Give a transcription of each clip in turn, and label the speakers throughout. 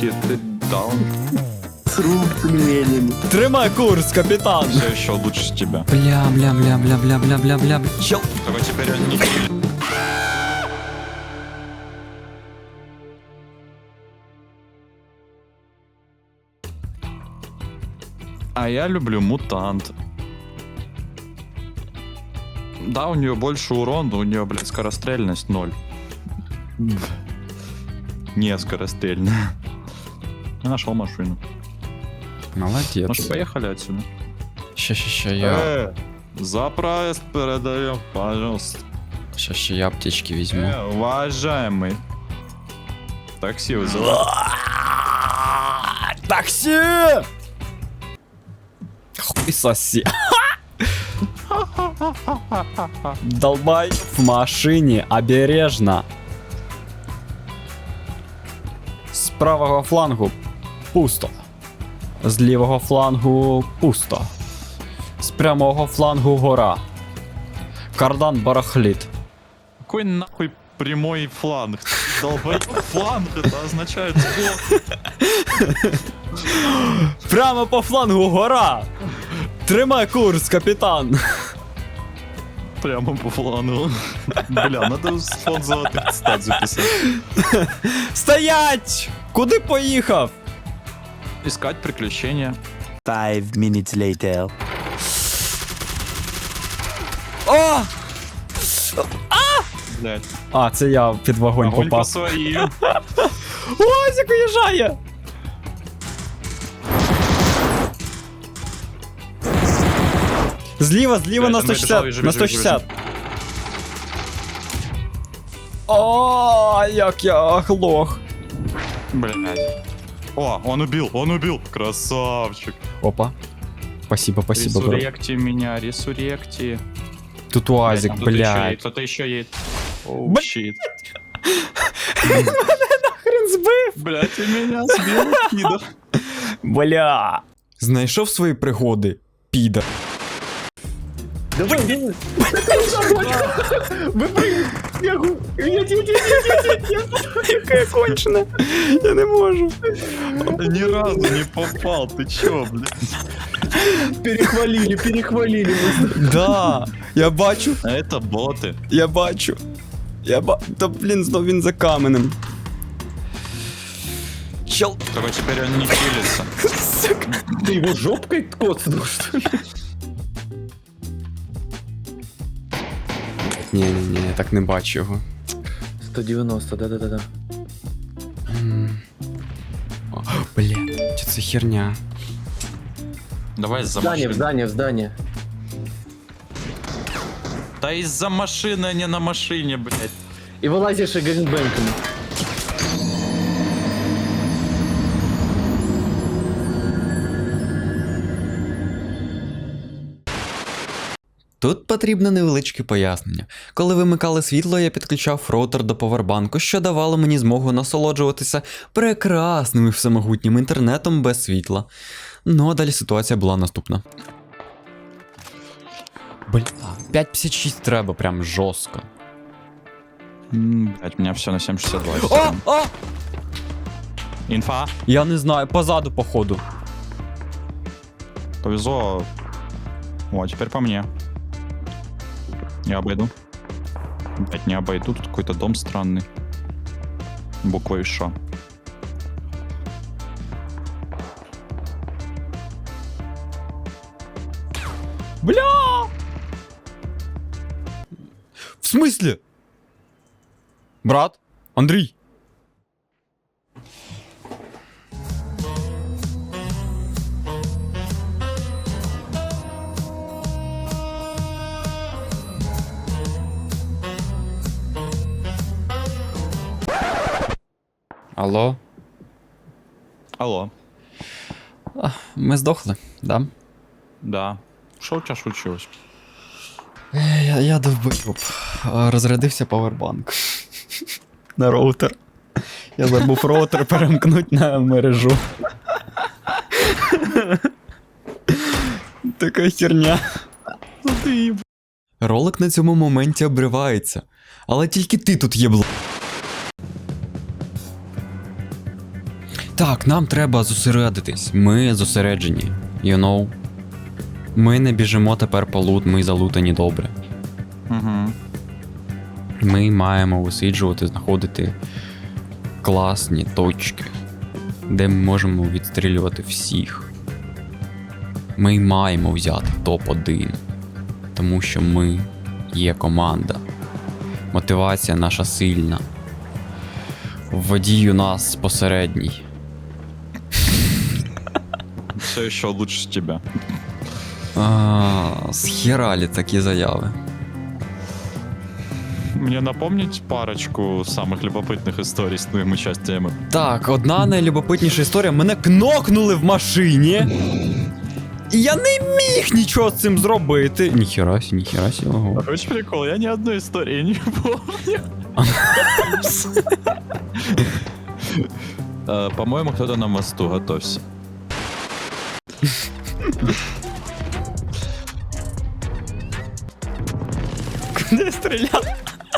Speaker 1: Ты даун.
Speaker 2: Сруб пельменями.
Speaker 3: Тримай курс, капитан.
Speaker 1: Все еще лучше тебя.
Speaker 3: Бля. Чел.
Speaker 1: Только теперь он не... А я люблю мутант. Да, у нее больше урон, но у нее, блядь, скорострельность 0. Не скорострельная. Я нашел машину.
Speaker 3: Молодец.
Speaker 1: Может, поехали отсюда?
Speaker 3: Ща, я...
Speaker 1: За проезд передаем, пожалуйста.
Speaker 3: Ща я аптечки возьму.
Speaker 1: Уважаемый. Такси вызывай.
Speaker 3: Такси! Хуй соси. Долбай в машине, обережно. З правого флангу пусто. З лівого флангу пусто. З прямого флангу гора. Кардан барахлит.
Speaker 1: Какой нахуй прямой фланг? Долбоёб, фланг, это означает сбор.
Speaker 3: Прямо по флангу гора. Тримай курс, капітан.
Speaker 1: Прямо по флангу. Бля, надо фон золотых цитат записать.
Speaker 3: Стоять! Куди поїхав?
Speaker 1: Искать приключения.
Speaker 2: 5 minutes later.
Speaker 3: О!
Speaker 1: Блять.
Speaker 3: А, це я під вогонь
Speaker 1: Огонь по
Speaker 3: попав.
Speaker 1: своим.
Speaker 3: Озік уїжджає! Зліва
Speaker 1: Блядь,
Speaker 3: на
Speaker 1: он вибіжав,
Speaker 3: 160,
Speaker 1: біжи,
Speaker 3: на
Speaker 1: біжи,
Speaker 3: 160. О, як я оглох.
Speaker 1: Блять. О, он убил. Красавчик.
Speaker 3: Опа. Спасибо, бро.
Speaker 1: Ресуректи меня, ресуректи.
Speaker 3: Тут уазик, блядь.
Speaker 1: Кто-то еще едет. Оу,
Speaker 3: Блядь.
Speaker 1: щит.
Speaker 3: Хрен збив.
Speaker 1: Блять, и меня сбил, кидов.
Speaker 3: Бля. Знайшов свої пригоди, піда.
Speaker 2: Давай. Выпрыгни. Нет.
Speaker 3: Яка я кончена. Я не можу.
Speaker 1: Ни разу не попал, ты чё, блядь?
Speaker 2: Перехвалили.
Speaker 3: Да, я бачу.
Speaker 1: А это боты.
Speaker 3: Та блін, знов він за каменем. Чел.
Speaker 1: Только теперь он не чилится.
Speaker 2: Ты его жопкой коцнул, что ли?
Speaker 3: Ні, я так не бачу його.
Speaker 2: 190, да.
Speaker 3: О, бля, чи це херня?
Speaker 1: Давай из-за
Speaker 2: В
Speaker 1: машины.
Speaker 2: здание.
Speaker 1: Да из-за машины, а не на машине, блядь.
Speaker 2: И вылазишь и гэнгбэнком.
Speaker 3: Тут потрібне невеличке пояснення. Коли вимикали світло, я підключав роутер до повербанку, що давало мені змогу насолоджуватися прекрасним і всемогутнім інтернетом без світла. Ну а далі ситуація була наступна. Бля, 5.56 треба прям жорстко.
Speaker 1: Блять, у меня все на 7.62.
Speaker 3: О!
Speaker 1: Инфа.
Speaker 3: Я не знаю, позаду походу.
Speaker 1: Повезло. О, теперь по мне. Я обойду. Блять, не обойду, тут какой-то дом странный. Буквой Ш.
Speaker 3: Бля! В смысле? Брат? Андрій? Алло?
Speaker 1: Алло.
Speaker 3: Ми здохли, да?
Speaker 1: Да. Что у тебя случилось?
Speaker 3: Я довбив. Розрядився павербанк. На роутер. Я забув роутер перемкнути на мережу. Така херня. Ролик на цьому моменті обривається. Але тільки ти тут єбло. Так, нам треба зосередитись. Ми зосереджені. You know? Ми не біжимо тепер по лут, ми залутані добре.
Speaker 1: Угу.
Speaker 3: Ми маємо висиджувати, знаходити класні точки, де ми можемо відстрілювати всіх. Ми маємо взяти топ-1, тому що ми є команда. Мотивація наша сильна. Водій у нас посередній.
Speaker 1: Все ще лучше тебе.
Speaker 3: Схералі такі заяви.
Speaker 1: Мне напомнить парочку самых любопытных историй с твоим участием?
Speaker 3: Так, одна найлюбопитніша історія. Мене кнокнули в машині. І я не міг нічого з цим зробити. Ніхерасі, ого.
Speaker 1: Очень прикол, я ни одной истории не помню. По-моему, кто-то на мосту, готовься.
Speaker 3: Куди стріляти?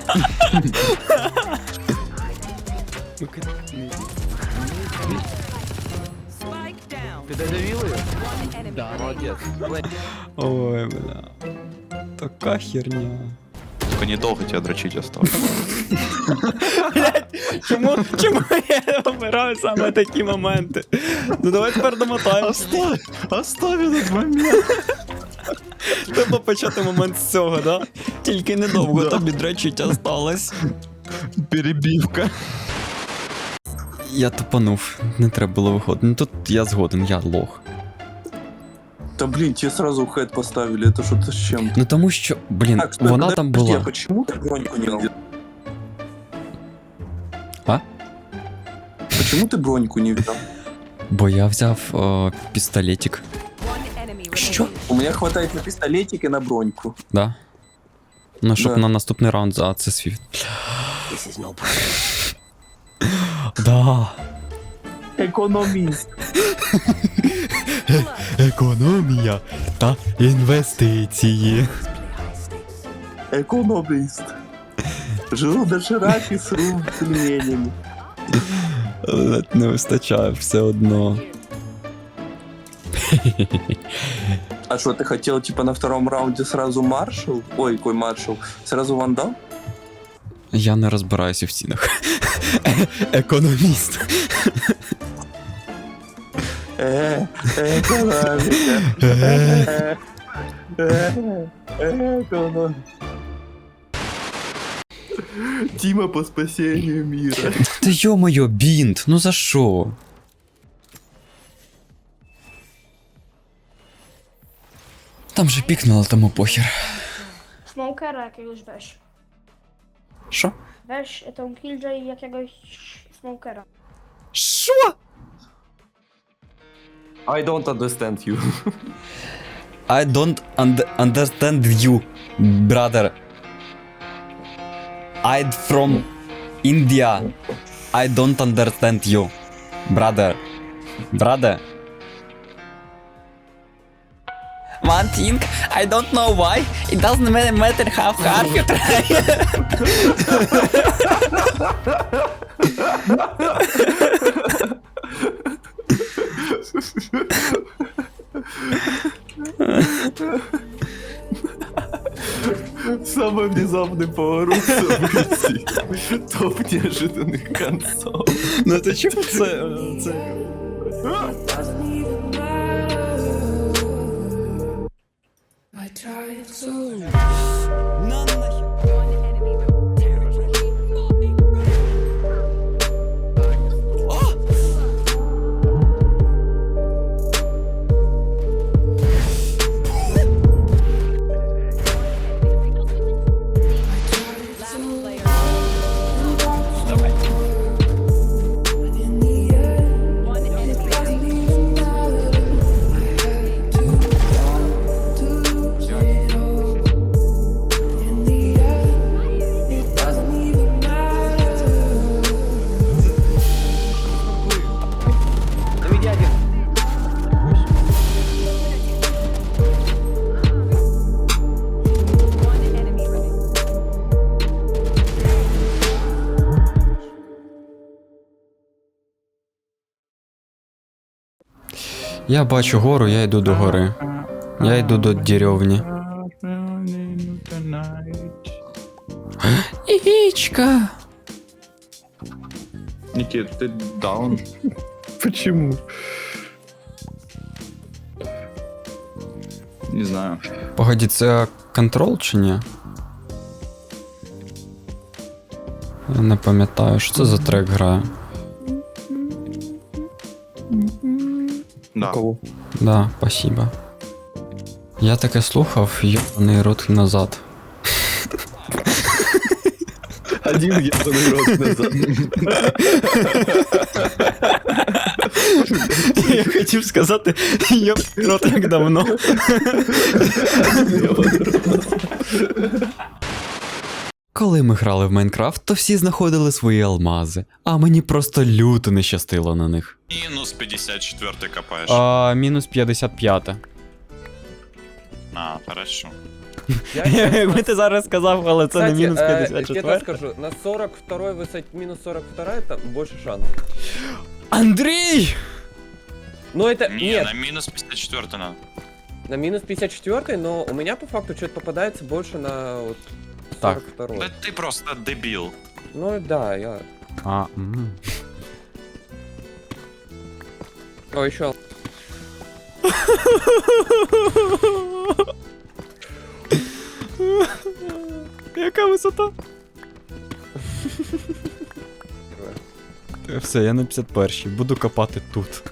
Speaker 4: Spike down.
Speaker 2: Ти додавив її?
Speaker 4: One enemy
Speaker 2: Да,
Speaker 4: remaining.
Speaker 2: молодець.
Speaker 3: Ой, бля. Така херня.
Speaker 1: Только недолго тебя дрочить осталось.
Speaker 3: Чому я обираю саме такі моменти? Ну давай тепер домотаємося.
Speaker 1: Оставь этот момент.
Speaker 3: Треба почати момент з цього, да? Тільки недовго тобі дрочить осталось.
Speaker 1: Перебивка.
Speaker 3: Я тупанув, не треба було виходити. Ну тут я згоден, я лох.
Speaker 5: Да блин, тебе сразу хэт поставили, это что-то с чем?
Speaker 3: Ну тому що, блін,
Speaker 5: Так, стой,
Speaker 3: вона
Speaker 5: подожди,
Speaker 3: там
Speaker 5: а
Speaker 3: була.
Speaker 5: почему ты броньку не взял?
Speaker 3: А?
Speaker 5: Почему ты броньку не взял?
Speaker 3: Бо я взяв пістолетик.
Speaker 4: One enemy
Speaker 3: Що?
Speaker 4: remaining.
Speaker 5: У меня хватает на пистолетик и на броньку.
Speaker 3: Да. Ну, щоб
Speaker 5: Да.
Speaker 3: на наступний раунд за це світ. Да.
Speaker 5: Экономист.
Speaker 3: Економія та інвестиції.
Speaker 5: Экономист. Жил доширак и с пельменями.
Speaker 3: Не вистачає все одно.
Speaker 5: А что, ты хотел, типа, на втором раунде сразу маршал? Ой, какой маршал? Сразу вандал?
Speaker 3: Я не розбираюся в цінах. Економіст.
Speaker 5: Экономика. Экономика. Тима по спасению мира.
Speaker 3: Та йо-моє, бінт, ну за що? Там же пікнуло, тому похер.
Speaker 6: Smokera jakiegoś weź.
Speaker 3: Що?
Speaker 6: Weź tą killjoy jakiegoś smokera.
Speaker 3: Що?
Speaker 2: I don't understand you.
Speaker 3: I don't understand you, brother. I'm from India. I don't understand you, brother. Brother. One thing, I don't know why. It doesn't matter how hard you try.
Speaker 5: Самый внезапный поворот событий. Топ неожиданных концов.
Speaker 3: Ну то чому це?
Speaker 4: One enemy remaining. Last player. One enemy remaining.
Speaker 3: Я бачу гору, я йду до гори. Я йду до деревні. Ігічка.
Speaker 1: Никит, ты даун.
Speaker 2: Почему?
Speaker 1: Не знаю.
Speaker 3: Погоді, це контрол чи ні? Я не пам'ятаю, що це за трек грає.
Speaker 1: Да.
Speaker 2: Кого?
Speaker 3: Да, спасибо. Я таке слухав, йобаний рот назад.
Speaker 2: Один ебаный рот назад.
Speaker 3: Я хотів сказати, йобаний рот як давно. Коли ми грали в Майнкрафт, то всі знаходили свої алмази, а мені просто люто не щастило на них.
Speaker 1: Минус 54 копаешь.
Speaker 3: Мінус 55.
Speaker 1: Хорошо.
Speaker 3: Якби ти зараз сказав, але це не
Speaker 7: Кстати,
Speaker 3: мінус
Speaker 7: я тебе
Speaker 3: 54.
Speaker 7: скажу, на 42 высоте, минус 42 это больше шанс.
Speaker 3: Андрій!
Speaker 7: Но это,
Speaker 1: Не,
Speaker 7: нет,
Speaker 1: на минус 54 надо.
Speaker 7: на минус 54, но у меня по факту что-то попадается больше на вот
Speaker 3: Так.
Speaker 7: 42.
Speaker 1: Да ты просто дебил.
Speaker 7: Ну да, я... О, еще.
Speaker 3: Яка висота? Все, я на 51-й, буду копати тут.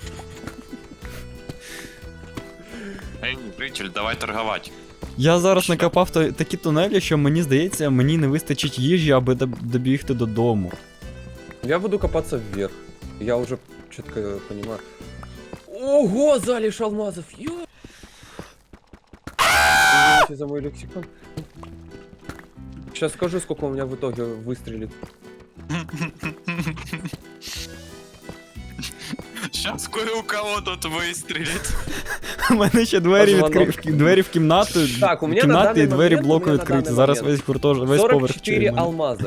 Speaker 1: Эй, житель, давай торговать.
Speaker 3: Я зараз накопав такі тунелі, що мені здається, мені не вистачить їжі, аби добігти додому.
Speaker 7: Я буду копаться вверх. Я уже четко понимаю. Ого, залежь алмазов! Извините за мой лексикон. Сейчас скажу, сколько у меня в итоге выстрелит.
Speaker 1: Сейчас кое у кого тут выстрелит.
Speaker 3: У мене ще двері
Speaker 7: Позвонок.
Speaker 3: двері в кімнату,
Speaker 7: Так, у мене на
Speaker 3: кімнати
Speaker 7: даний
Speaker 3: і двері
Speaker 7: момент,
Speaker 3: блоку
Speaker 7: у мене на
Speaker 3: відкриті.
Speaker 7: даний
Speaker 3: Зараз
Speaker 7: момент
Speaker 3: весь гуртож, весь поверх
Speaker 7: 44
Speaker 3: через мене.
Speaker 7: алмаза.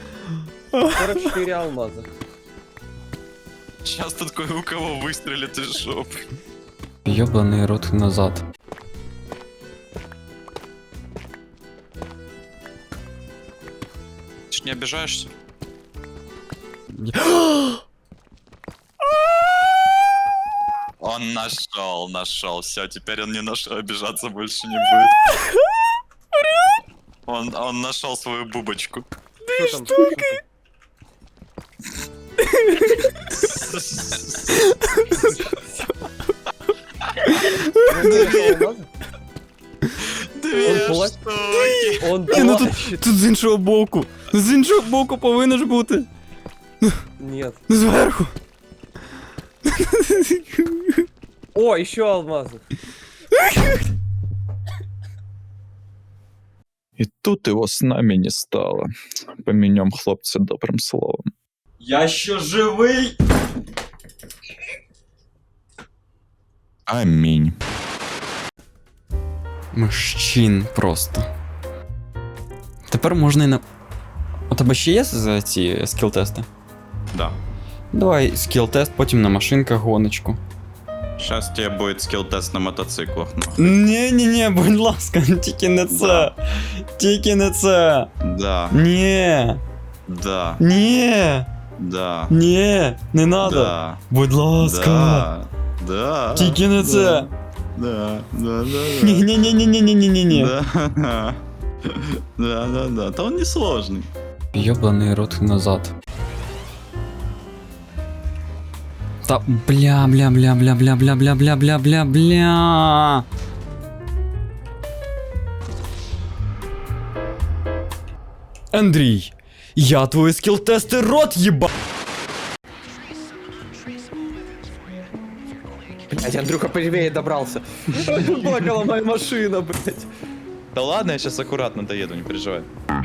Speaker 7: 44 алмаза.
Speaker 1: Сейчас тут кое у кого выстрелит из жопы.
Speaker 3: Йобаний рот назад.
Speaker 1: Ты ж не обижаешься? Он нашел. Все, теперь он не нашел, обижаться больше не будет. Он нашел свою бубочку.
Speaker 7: Что там?
Speaker 1: Две
Speaker 7: плачет?
Speaker 1: штуки.
Speaker 7: Он
Speaker 3: Ні, ну
Speaker 7: плачет.
Speaker 3: тут з іншого боку. З іншого боку повинно ж бути.
Speaker 7: Нет.
Speaker 3: Зверху.
Speaker 7: О, еще алмазы.
Speaker 1: И тут его с нами не стало. Поменем хлопцы добрым словом.
Speaker 3: Я ще живий.
Speaker 1: Аминь.
Speaker 3: Мужчин просто. Тепер можна і на. У тебе ще є за ці скіл-тести?
Speaker 1: Да.
Speaker 3: Давай скіл-тест, потім на машинках гоночку.
Speaker 1: Сейчас тебе будет скилл-тест на мотоциклах.
Speaker 3: Ні, будь ласка, тільки не це. Тільки не це.
Speaker 1: Да,
Speaker 3: Ні.
Speaker 1: да,
Speaker 3: Ні.
Speaker 1: да,
Speaker 3: Ні. Не надо.
Speaker 1: да,
Speaker 3: Будь ласка.
Speaker 1: да, да.
Speaker 3: Тільки не це.
Speaker 1: Да, да, да,
Speaker 3: Ні.
Speaker 1: да. Да. Да он не сложный.
Speaker 3: Йобаний рот назад. Та бля. Андрій, я твої скіл-тести рот їба.
Speaker 2: Блять, Андрюха первее добрался. Плакала моя машина, блять.
Speaker 1: Да ладно, я сейчас аккуратно доеду, не переживай.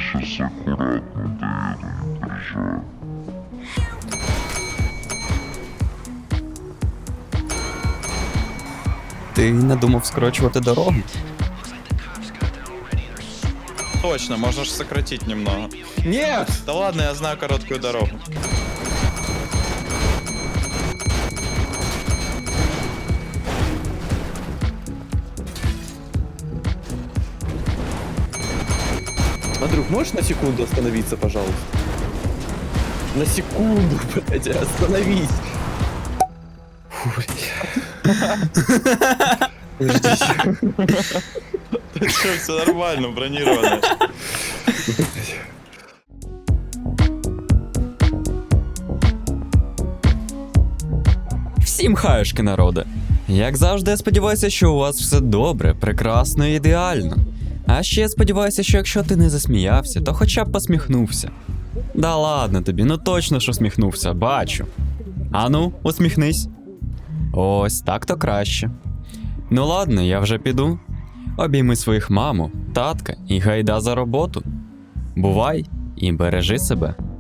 Speaker 3: Ти не думав скорочувати дорогу?
Speaker 1: Точно, можно же сократить немного.
Speaker 2: Нет!
Speaker 1: Да ладно, я знаю короткую дорогу.
Speaker 2: Можешь на секунду остановиться, пожалуйста? На секунду, блядь, остановись. Фу, блядь.
Speaker 1: Что, все нормально, бронировано.
Speaker 3: Всім хаюшки, народи! Як завжди, я сподіваюся, що у вас все добре, прекрасно і ідеально. А ще я сподіваюся, що якщо ти не засміявся, то хоча б посміхнувся. Да ладно тобі, ну точно що сміхнувся, бачу. Ану, усміхнись. Ось так то краще. Ну ладно, я вже піду. Обійми своїх маму, татка і гайда за роботу. Бувай і бережи себе.